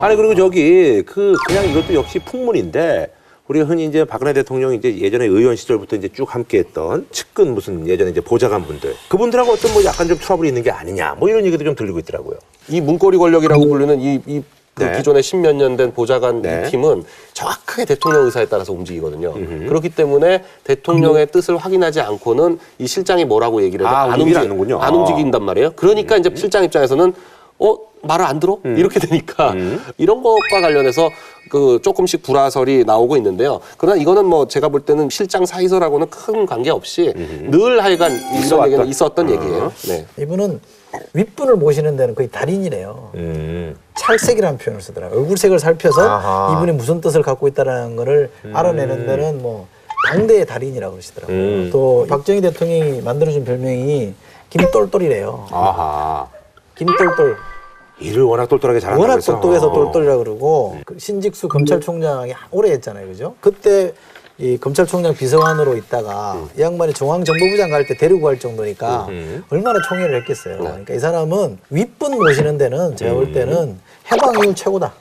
아니 그리고 저기 그냥 이것도 역시 풍문인데 우리가 흔히 이제 박근혜 대통령이 이제 예전에 의원 시절부터 이제 쭉 함께했던 측근 무슨 예전에 이제 보좌관 분들 그분들하고 어떤 뭐 약간 좀 트러블이 있는 게 아니냐 뭐 이런 얘기도 좀 들리고 있더라고요. 이 문고리 권력이라고 부르는 그 네. 기존에 십몇 년 된 보좌관 네. 이 팀은 정확하게 대통령 의사에 따라서 움직이거든요. 그렇기 때문에 대통령의 뜻을 확인하지 않고는 이 실장이 뭐라고 얘기를 해도 안 움직인단 말이에요. 그러니까 이제 실장 입장에서는 말을 안 들어? 이렇게 되니까 이런 것과 관련해서 그 조금씩 불화설이 나오고 있는데요. 그러나 이거는 뭐 제가 볼 때는 실장 사이설하고는 큰 관계없이 늘 하여간 이런 얘기는 있었던 얘기예요. 네. 이분은 윗분을 모시는 데는 거의 달인이래요. 찰색이라는 표현을 쓰더라고요. 얼굴색을 살펴서 아하. 이분이 무슨 뜻을 갖고 있다는 거를 알아내는 데는 뭐 당대의 달인이라고 그러시더라고요. 또 박정희 대통령이 만들어준 별명이 김똘똘이래요. 아하. 김똘똘. 일을 워낙 똘똘하게 잘한다고 워낙 해서. 똑똑해서 똘똘이라고 그러고 그 신직수 검찰총장이 오래 했잖아요. 그죠? 그때 이 검찰총장 비서관으로 있다가 이 양반이 중앙정보부장 갈 때 데리고 갈 정도니까 얼마나 총애를 했겠어요. 그러니까 이 사람은 윗분 모시는 데는 제가 볼 때는 해방이후 최고다.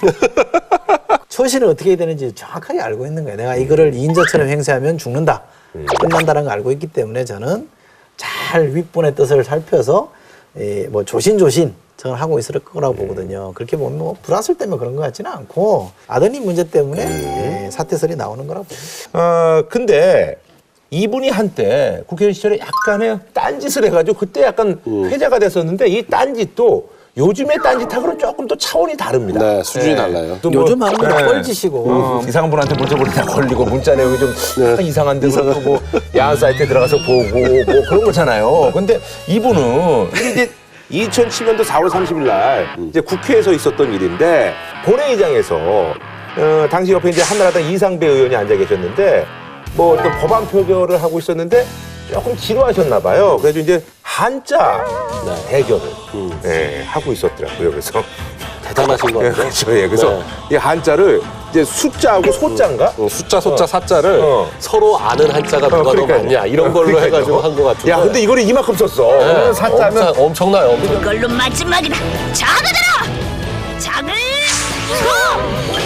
처신을 어떻게 해야 되는지 정확하게 알고 있는 거예요. 내가 이거를 이인자처럼 행세하면 죽는다. 끝난다는 걸 알고 있기 때문에 저는 잘 윗분의 뜻을 살펴서 뭐 조신조신 저는 하고 있을 거라고 보거든요. 그렇게 보면 뭐 불화설 때문에 그런 것 같지는 않고 아드님 문제 때문에 사퇴설이 나오는 거라고 봅니다. 근데 이분이 한때 국회의원 시절에 약간의 딴짓을 해가지고 그때 약간 회자가 됐었는데 이 딴짓도 요즘의 딴짓하고는 조금 또 차원이 다릅니다. 네, 수준이 달라요. 또 뭐, 요즘 하는 건 뻘짓이고 이상한 분한테 문자 보내다 걸리고 문자 내용이 좀 약간 이상한 데서 뭐 야한 사이트에 들어가서 보고 뭐 그런 거잖아요. 근데 이분은 이게 이제 2007년도 4월 30일 날 이제 국회에서 있었던 일인데 본회의장에서 당시 옆에 이제 한나라당 이상배 의원이 앉아 계셨는데 뭐 어떤 법안 표결을 하고 있었는데 조금 지루하셨나 봐요. 그래서 이제 한자 대결을 하고 있었더라고요. 그래서 대단하신 거 같아요. 그렇죠. 예. 그래서 이 한자를 이제 숫자하고 소자인가? 숫자, 소자, 사자를 서로 아는 한자가 누가 더 그러니까요. 많냐 이런 걸로 그러니까요. 해가지고 한 것 같은데. 야, 근데 이거를 이만큼 썼어. 네, 사자면 엄청나요. 엄청. 이걸로 마지막이다. 작아들어. 작을 소.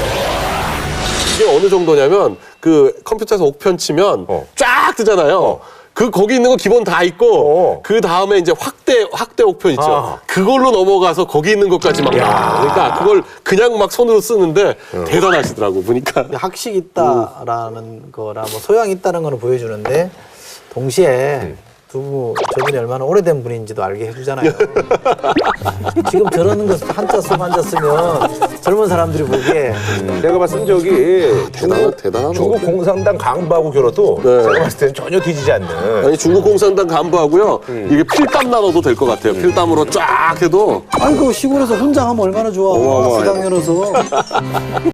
이게 어느 정도냐면 그 컴퓨터에서 옥편 치면 쫙 뜨잖아요. 거기 있는 거 기본 다 있고 그 다음에 이제 확대 옥편 있죠. 그걸로 넘어가서 거기 있는 것까지 막 나와. 그러니까 그걸 그냥 막 손으로 쓰는데 대단하시더라고 보니까. 학식 있다라는 거나 뭐 소양 있다는 거는 보여주는데 동시에 저분이 얼마나 오래된 분인지도 알게 해주잖아요. 지금 저러는 거 한자 쓰고 한자 쓰면 젊은 사람들이 보기에 내가 봤을 때 저기 대단한 중국 공산당 간부하고 겨뤄도 제가 봤을 때는 전혀 뒤지지 않는. 아니 중국 공산당 간부하고요. 이게 필담 나눠도 될 것 같아요. 필담으로 쫙 해도. 아이고 시골에서 혼자 하면 얼마나 좋아. 수당 열어서.